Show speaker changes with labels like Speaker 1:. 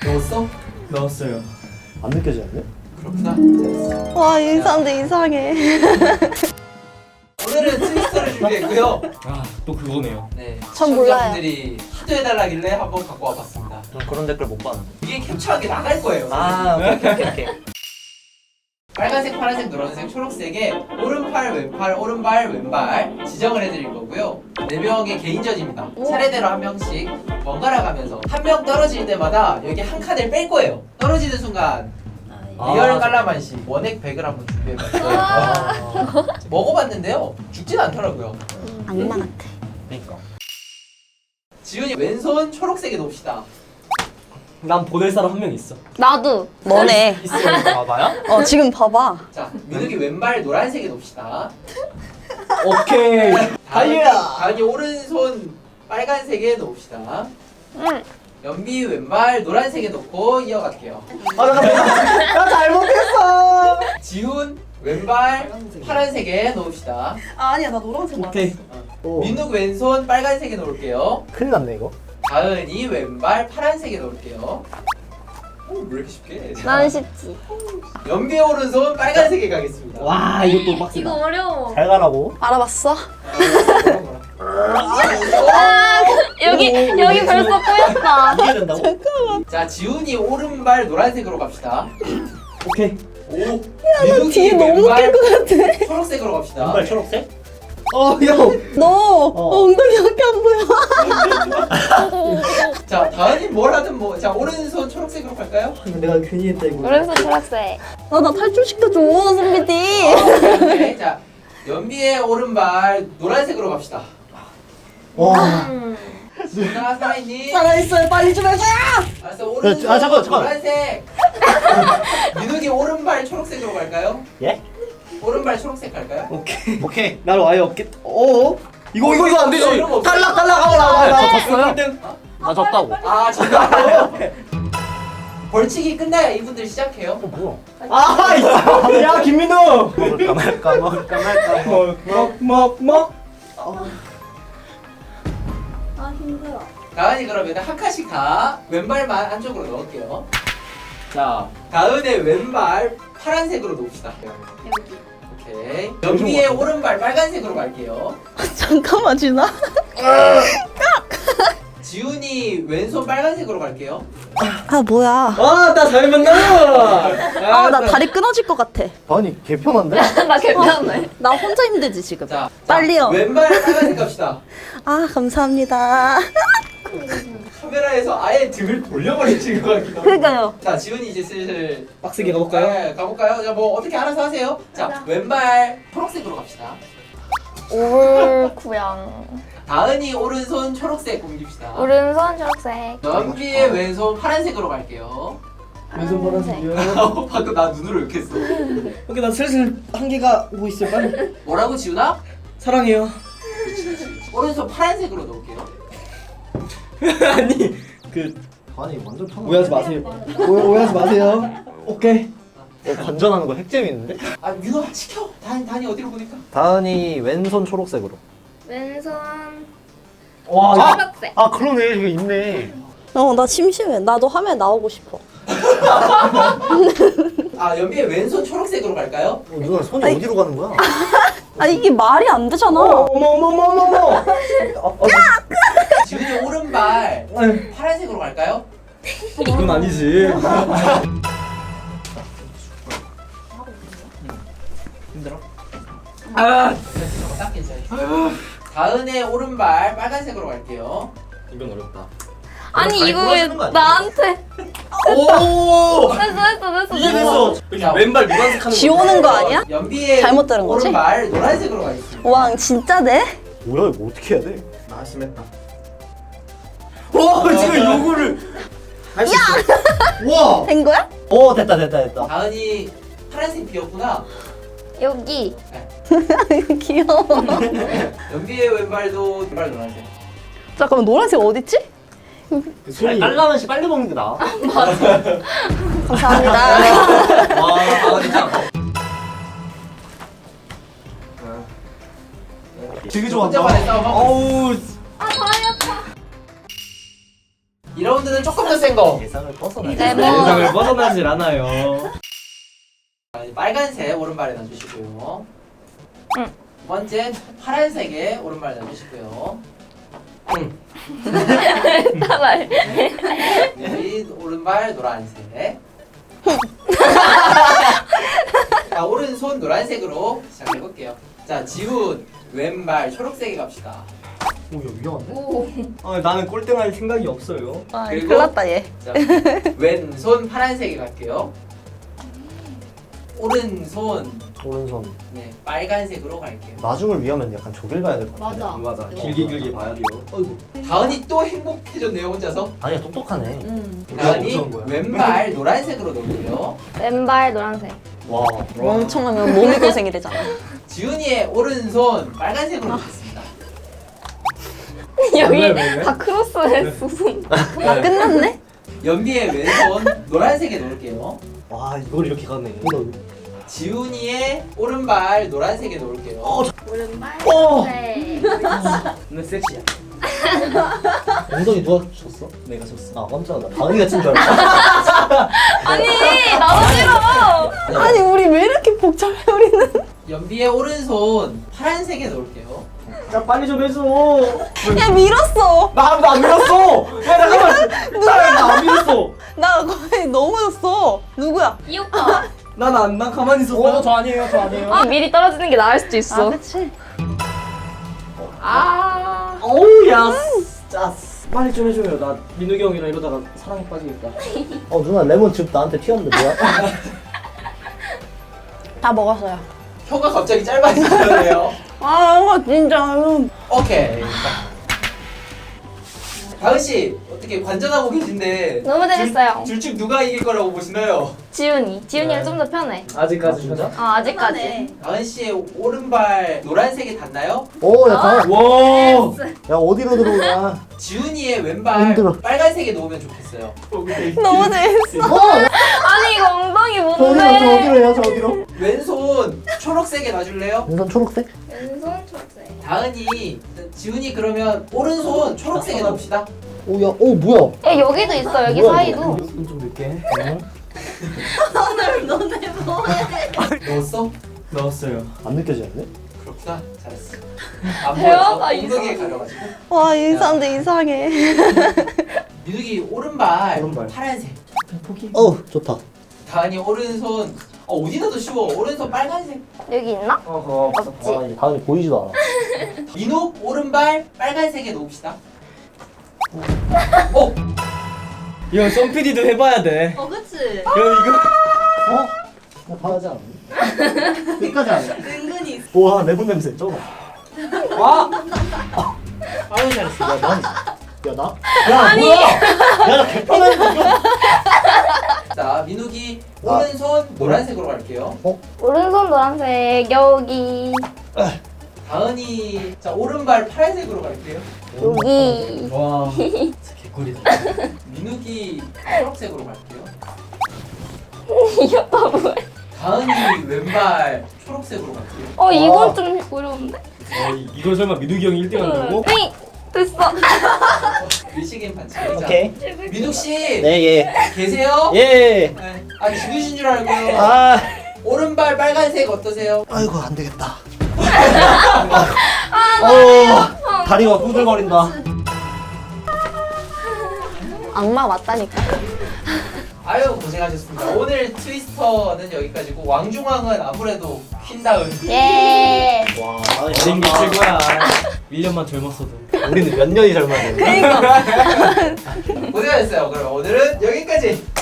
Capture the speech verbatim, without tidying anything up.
Speaker 1: 넣었어?
Speaker 2: 넣었어요.
Speaker 3: 안 느껴지는데?
Speaker 1: 그렇구나.
Speaker 4: 와, 이 사람들 이상해.
Speaker 1: 오늘은 트위스터를 준비했고요.
Speaker 2: 아, 또 그거네요.
Speaker 1: 네,
Speaker 4: 전 몰라요.
Speaker 1: 시청자분들이 하도 해달라길래 한번 갖고 와봤습니다.
Speaker 3: 전 그런 댓글 못 봤는데.
Speaker 1: 이게 캡처하게 나갈 거예요.
Speaker 3: 아, 오케이, 오케이, 오케이.
Speaker 1: 빨간색, 파란색, 노란색, 초록색에 오른팔, 왼팔, 오른발, 왼발 지정을 해드릴 거고요. 네 명의 개인전입니다. 차례대로 한 명씩 번갈아 가면서 한 명 떨어질 때마다 여기 한 칸을 뺄 거예요. 떨어지는 순간 리얼
Speaker 3: 아,
Speaker 1: 깔라만시 원액 백을 한번 준비해봤어요.
Speaker 3: 아,
Speaker 1: 먹어봤는데요. 죽진 않더라고요.
Speaker 4: 악마 같아.
Speaker 3: 그러니까.
Speaker 1: 지훈이 왼손 초록색에 놓읍시다.
Speaker 2: 난 보낼 사람 한 명 있어.
Speaker 4: 나도. 너네.
Speaker 1: 있어요.
Speaker 3: 봐봐요?
Speaker 4: 어, 지금 봐봐.
Speaker 1: 자, 민욱이 왼발 노란색에 놓읍시다.
Speaker 2: 오케이.
Speaker 1: 다은이,
Speaker 2: 달려.
Speaker 1: 다은이 오른손 빨간색에 놓읍시다.
Speaker 4: 응.
Speaker 1: 연비 왼발 노란색에 놓고 이어갈게요.
Speaker 3: 아, 잠깐만. 나 잘못했어.
Speaker 1: 지훈 왼발 파란색에 놓읍시다.
Speaker 4: 아, 아니야, 나 노란색 맞아.
Speaker 2: 오케이.
Speaker 3: 오.
Speaker 1: 민욱 왼손 빨간색에 놓을게요.
Speaker 3: 큰일 났네, 이거.
Speaker 1: 다은이 왼발 파란색에 놓을게요. 오, 왜 이렇게 쉽게 해?
Speaker 4: 난 쉽지.
Speaker 1: 연비 오른손 빨간색에 가겠습니다.
Speaker 2: 와, 이것도 빡세다.
Speaker 5: 이거 어려워.
Speaker 3: 잘 가라고.
Speaker 4: 알아봤어?
Speaker 1: 아,
Speaker 5: 여기
Speaker 2: 오,
Speaker 5: 여기
Speaker 2: 오,
Speaker 5: 벌써 꼬였다.
Speaker 3: 이게 된다고?
Speaker 1: 자, 지훈이 오른발 노란색으로 갑시다.
Speaker 2: 오케이.
Speaker 1: 오, 민욱이
Speaker 4: 뒤에 너무
Speaker 1: 왼발
Speaker 4: 웃길 것 같아.
Speaker 1: 초록색으로 갑시다.
Speaker 3: 왼발 초록색?
Speaker 2: 어, 형.
Speaker 4: 너 어. 엉덩이밖에 안 보여.
Speaker 1: 자, 다은이 뭘 하든 뭐, 자, 오른손 초록색으로 갈까요?
Speaker 3: 내가 괜히 했다, 이거.
Speaker 5: 오른손 초록색.
Speaker 4: 아, 나 탈출시켜줘, 선비디.
Speaker 1: 오케이. 자, 연비의 오른발 노란색으로 갑시다.
Speaker 3: 와.
Speaker 5: 음.
Speaker 1: 지훈아, 살아있니?
Speaker 4: 살아있어요, 빨리 좀 해줘요.
Speaker 1: 알았어, 오른손
Speaker 3: 아, 잠깐, 잠깐.
Speaker 1: 노란색. 민욱이 오른발 초록색으로 갈까요?
Speaker 3: 예?
Speaker 1: 오른발 초록색 갈까요?
Speaker 2: 오케이.
Speaker 3: 오케이.
Speaker 2: 날 와요 없겠. 어? 이거 이거 이거 안 되지.
Speaker 1: 이런 거 없어요?
Speaker 2: 탈락 탈락 하고 나
Speaker 3: 졌어요?
Speaker 2: 일 등.
Speaker 3: 나 졌다고.
Speaker 1: 아, 정말요? 벌칙이 끝나야 이분들 시작해요.
Speaker 3: 어, 뭐야?
Speaker 2: 아, 이- 야 김민우.
Speaker 3: 먹을까 말까, 먹을까 말까.
Speaker 2: 먹먹 먹.
Speaker 4: 아, 힘들어.
Speaker 1: 다은이 그러면 한 칸씩 다 왼발만 안쪽으로 넣을게요. 자, 다은의 왼발 파란색으로 놓읍시다.
Speaker 4: 여기.
Speaker 1: 오케이. 연비의 오른발 빨간색으로 갈게요.
Speaker 4: 잠깐만, 진아.
Speaker 1: 지훈이 왼손 빨간색으로 갈게요.
Speaker 4: 아, 뭐야.
Speaker 2: 아, 나 잘 만나.
Speaker 4: 아, 나 다리 끊어질 것 같아.
Speaker 3: 아니, 개편한데?
Speaker 5: 나 괜찮네.
Speaker 4: 나 혼자 힘들지, 지금.
Speaker 1: 자,
Speaker 4: 빨리요.
Speaker 1: 자, 왼발 빨간색 갑시다.
Speaker 4: 아, 감사합니다.
Speaker 1: 카메라에서 아예 등을 돌려버리신 것 같기도 하고.
Speaker 4: 그러니까요.
Speaker 1: 자, 지훈이 이제 슬슬
Speaker 2: 빡세게 가볼까요?
Speaker 1: 네, 가볼까요? 자, 뭐 어떻게 알아서 하세요. 자, 왼발 초록색으로 갑시다.
Speaker 5: 올쿠양.
Speaker 1: 다은이 오른손 초록색 옮깁시다.
Speaker 5: 오른손 초록색.
Speaker 1: 연비의 왼손 파란색으로 갈게요.
Speaker 2: 왼손 파란색이요.
Speaker 1: 방금 나 눈으로 욕했어.
Speaker 2: 오케이, 나 슬슬 한계가 오고 있어. 빨리.
Speaker 1: 뭐라고 지훈아?
Speaker 2: 사랑해요.
Speaker 1: 오른손 파란색으로 넣을게요.
Speaker 2: 아니 그
Speaker 3: 아니, 완전 편하네.
Speaker 2: 오해하지 마세요. 오해, 오해하지 마세요. 오케이.
Speaker 3: 어, 관전하는 거 핵재밌는데?
Speaker 1: 아, 민호 시켜. 다니 다니 어디로 보니까?
Speaker 3: 다은이 왼손 초록색으로.
Speaker 5: 왼손
Speaker 2: 와.
Speaker 5: 초록색.
Speaker 3: 아, 그러네. 이거 있네.
Speaker 4: 어, 나 심심해. 나도 화면에 나오고 싶어.
Speaker 1: 아, 연비의 왼손 초록색으로 갈까요?
Speaker 3: 어, 누나 손이 어디로 가는 거야?
Speaker 4: 아, 이게 말이 안 되잖아.
Speaker 2: 어머 어머 어머 어머 어머.
Speaker 1: 지훈이 오른발
Speaker 2: 아유,
Speaker 1: 파란색으로 갈까요?
Speaker 2: 이건 아니지.
Speaker 1: 힘들어?
Speaker 2: 아,
Speaker 1: 됐어, 딱 괜찮아. 다은의 오른발 빨간색으로 갈게요.
Speaker 2: 이건 어렵다.
Speaker 5: 아니
Speaker 3: 다리
Speaker 5: 이거 왜
Speaker 3: 부러지는 거 아니야?
Speaker 5: 나한테?
Speaker 2: 오.
Speaker 5: 됐어 됐어 됐어.
Speaker 2: 이게
Speaker 5: 됐어.
Speaker 2: 됐어.
Speaker 1: 자,
Speaker 2: 왼발 노란색 하는 거.
Speaker 4: 지우는 거 아니야?
Speaker 1: 연비의
Speaker 4: 잘못 들은 거지?
Speaker 1: 오른발 노란색으로 가겠습니다.
Speaker 4: 왕, 진짜네?
Speaker 3: 뭐야, 이거 어떻게 해야 돼?
Speaker 2: 나 심했다. 와, 지금 요거를 할 수 있어. 와.
Speaker 4: 된 거야?
Speaker 3: 오, 됐다, 됐다, 됐다.
Speaker 1: 다은이 파란색 비었구나.
Speaker 5: 여기.
Speaker 4: 귀여워.
Speaker 1: 연비의 왼발도 왼발 노란색.
Speaker 4: 잠깐만, 노란색 어딨지?
Speaker 2: 소리.
Speaker 3: 깔라면 씨 빨리 먹는 게 나아.
Speaker 4: 감사합니다.
Speaker 1: 와, 아, 진짜.
Speaker 2: 되게
Speaker 1: 혼자만의 싸움 하고 있어.
Speaker 2: 어우.
Speaker 5: 아 다리 아파.
Speaker 1: 이 라운드는 조금 더 센 거.
Speaker 3: 예상을 벗어나.
Speaker 5: 레몬.
Speaker 2: 세상을 벗어나질 않아요.
Speaker 1: 자, 이제 빨간색 오른발에 놔주시고요.
Speaker 5: 응.
Speaker 1: 두 번째 파란색에 오른발에 놔주시고요. 응.
Speaker 5: 따라해.
Speaker 1: 이 오른발 노란색. 자, 오른손 노란색으로 시작해볼게요. 자, 지훈 왼발 초록색에 갑시다.
Speaker 3: 오, 야, 위험한데?
Speaker 5: 오.
Speaker 2: 아, 나는 꼴등할 생각이 없어요.
Speaker 4: 아,
Speaker 1: 그리고-
Speaker 4: 큰일 났다 얘.
Speaker 1: 자, 왼손 파란색에 갈게요. 오른손
Speaker 3: 오른손.
Speaker 1: 네, 빨간색으로 갈게요.
Speaker 3: 나중을 위하면 약간 저길 가야 될 것 같은데.
Speaker 5: 맞아.
Speaker 2: 맞아. 길게 길게 봐야 돼요. 어이구.
Speaker 1: 다은이 또 행복해졌네요, 혼자서.
Speaker 3: 아니야, 똑똑하네.
Speaker 4: 음.
Speaker 1: 다은이
Speaker 2: 무서운 거야.
Speaker 1: 왼발 노란색으로 놓을게요.
Speaker 5: 왼발 노란색.
Speaker 3: 와.
Speaker 4: 멍청하면 몸이 고생이 되잖아.
Speaker 1: 지훈이의 오른손 빨간색으로 놓겠습니다.
Speaker 5: 여기
Speaker 2: 왜, 왜, 왜?
Speaker 5: 다 크로스했어. 손.
Speaker 4: 아 끝났네?
Speaker 1: 연비의 왼손 노란색에 놓을게요.
Speaker 3: 와, 이걸 이렇게 가네.
Speaker 1: 지훈이의 오른발 노란색에 놓을게요.
Speaker 5: 오른발
Speaker 2: 어.
Speaker 5: 네.
Speaker 2: 너 섹시야.
Speaker 3: 엉덩이 누가 쳤어? 내가 쳤어. 아, 깜짝이야. 나 다은이가 친 줄 알았어.
Speaker 5: 아니 나도 싫어.
Speaker 4: 아니 우리 왜 이렇게 복잡해 우리는?
Speaker 1: 연비의 오른손 파란색에 놓을게요.
Speaker 2: 자, 빨리 좀 해줘.
Speaker 4: 야 밀었어.
Speaker 2: 나 아무도 안 밀었어. 야, 잠깐만. 나안 밀었어.
Speaker 4: 나 거의 넘어졌어. 누구야?
Speaker 5: 이 오빠.
Speaker 2: 난 안, 난 가만히 있었어.
Speaker 3: 어, 저 아니에요, 저 아니에요.
Speaker 5: 아 미리 떨어지는 게 나을 수도 있어.
Speaker 4: 그치.
Speaker 5: 아.
Speaker 2: 어우, 야. 짜스. 빨리 좀 해줘요. 나 민욱이 형이랑 이러다가 사랑에 빠지겠다.
Speaker 3: 어, 누나 레몬 즙 나한테 튀었는데 뭐야?
Speaker 4: 다 먹었어요.
Speaker 1: 혀가 갑자기 짧아지네요.
Speaker 4: 아 진짜.
Speaker 1: 오케이. 다은 씨 어떻게 관전하고 계신데
Speaker 5: 너무 재밌어요.
Speaker 1: 둘 중 누가 이길 거라고 보시나요?
Speaker 5: 지훈이. 지훈이가 좀 더 편해.
Speaker 2: 아직까지
Speaker 3: 아, 진짜?
Speaker 5: 어 아직까지.
Speaker 1: 다은 씨의 오른발 노란색에 닿나요?
Speaker 3: 오, 야, 다은.
Speaker 2: 와.
Speaker 3: 야, 어디로 들어오냐?
Speaker 1: 지훈이의 왼발
Speaker 3: 힘들어.
Speaker 1: 빨간색에 놓으면 좋겠어요.
Speaker 4: 너무 재밌어.
Speaker 5: 아니 이거 엉덩이
Speaker 3: 저 어디로, 저
Speaker 5: 뭔데?
Speaker 3: 어디로 해요, 저 어디로?
Speaker 1: 왼손 초록색에 놔줄래요?
Speaker 3: 왼손 초록색?
Speaker 5: 왼손 초록색.
Speaker 1: 다은이 지훈이 그러면 오른손 초록색에 놓읍시다.
Speaker 3: 오, 야, 오, 뭐야?
Speaker 5: 야 여기도 있어 여기
Speaker 3: 뭐야,
Speaker 5: 사이도.
Speaker 2: 이건 좀 늦게.
Speaker 3: 응?
Speaker 1: 넣었어?
Speaker 2: 넣었어요.
Speaker 3: 안 느껴지는데?
Speaker 1: 그렇구나. 잘했어. 안
Speaker 5: 대화가
Speaker 1: 보여서 엉덩이에
Speaker 5: 이상해.
Speaker 1: 가려가지고.
Speaker 4: 와 이 사람들 이상해.
Speaker 1: 민욱이 오른발,
Speaker 2: 오른발.
Speaker 1: 파란색.
Speaker 2: 포기.
Speaker 3: 어, 좋다.
Speaker 1: 다은이 오른손 어 어디 놔도 쉬워. 오른손 빨간색.
Speaker 5: 여기 있나?
Speaker 2: 어허.
Speaker 5: 없지.
Speaker 3: 아, 이제 다은이 보이지도 않아.
Speaker 1: 민욱 오른발 빨간색에 놓읍시다. 어?
Speaker 2: 이건 썸피디도 해봐야 돼.
Speaker 4: 어 그치.
Speaker 2: 형 이거.
Speaker 3: 어? 나 봐야지 않았니? 끝까지 안 해.
Speaker 4: 은근히.
Speaker 3: 우와, 레몬 냄새 쩔어.
Speaker 2: 와.
Speaker 1: 아유 잘했어.
Speaker 3: 야, 난. 야, 나? 야, 뭐야? 야, 나 개판하니까.
Speaker 1: 자 민욱이
Speaker 3: 아.
Speaker 1: 오른손 노란색으로 갈게요.
Speaker 5: 오른손 노란색 여기
Speaker 1: 다은이 자 오른발 파란색으로 갈게요.
Speaker 5: 여기.
Speaker 2: 와. 진짜 개꿀이다.
Speaker 1: 민욱이 초록색으로 갈게요.
Speaker 5: 이 오빠 뭐야?
Speaker 1: 다은이 왼발 초록색으로 갈게요.
Speaker 5: 어 이건 좀 어려운데?
Speaker 2: 어, 이- 이걸 설마 민욱이 형이 일 등 한다고?
Speaker 5: 네 됐어.
Speaker 1: 일식인 반칙.
Speaker 3: 오케이.
Speaker 1: 민욱 씨
Speaker 3: 네, 예.
Speaker 1: 계세요?
Speaker 3: 예.
Speaker 1: 네. 아 죽으신 줄 알고요.
Speaker 3: 아.
Speaker 1: 오른발 빨간색 어떠세요?
Speaker 3: 아이고, 안 되겠다. 어, 다리가 후들거린다.
Speaker 4: 악마 맞다니까.
Speaker 1: 아유 고생하셨습니다. 오늘 트위스터는 여기까지고 왕중왕은 아무래도 퀸다운.
Speaker 5: 예.
Speaker 3: 와,
Speaker 2: 어린 게 최고야. 일 년만 젊었어도.
Speaker 3: 우리는 몇 년이 젊었는데.
Speaker 4: 그러니까.
Speaker 1: 고생하셨어요. 그럼 오늘은 여기까지.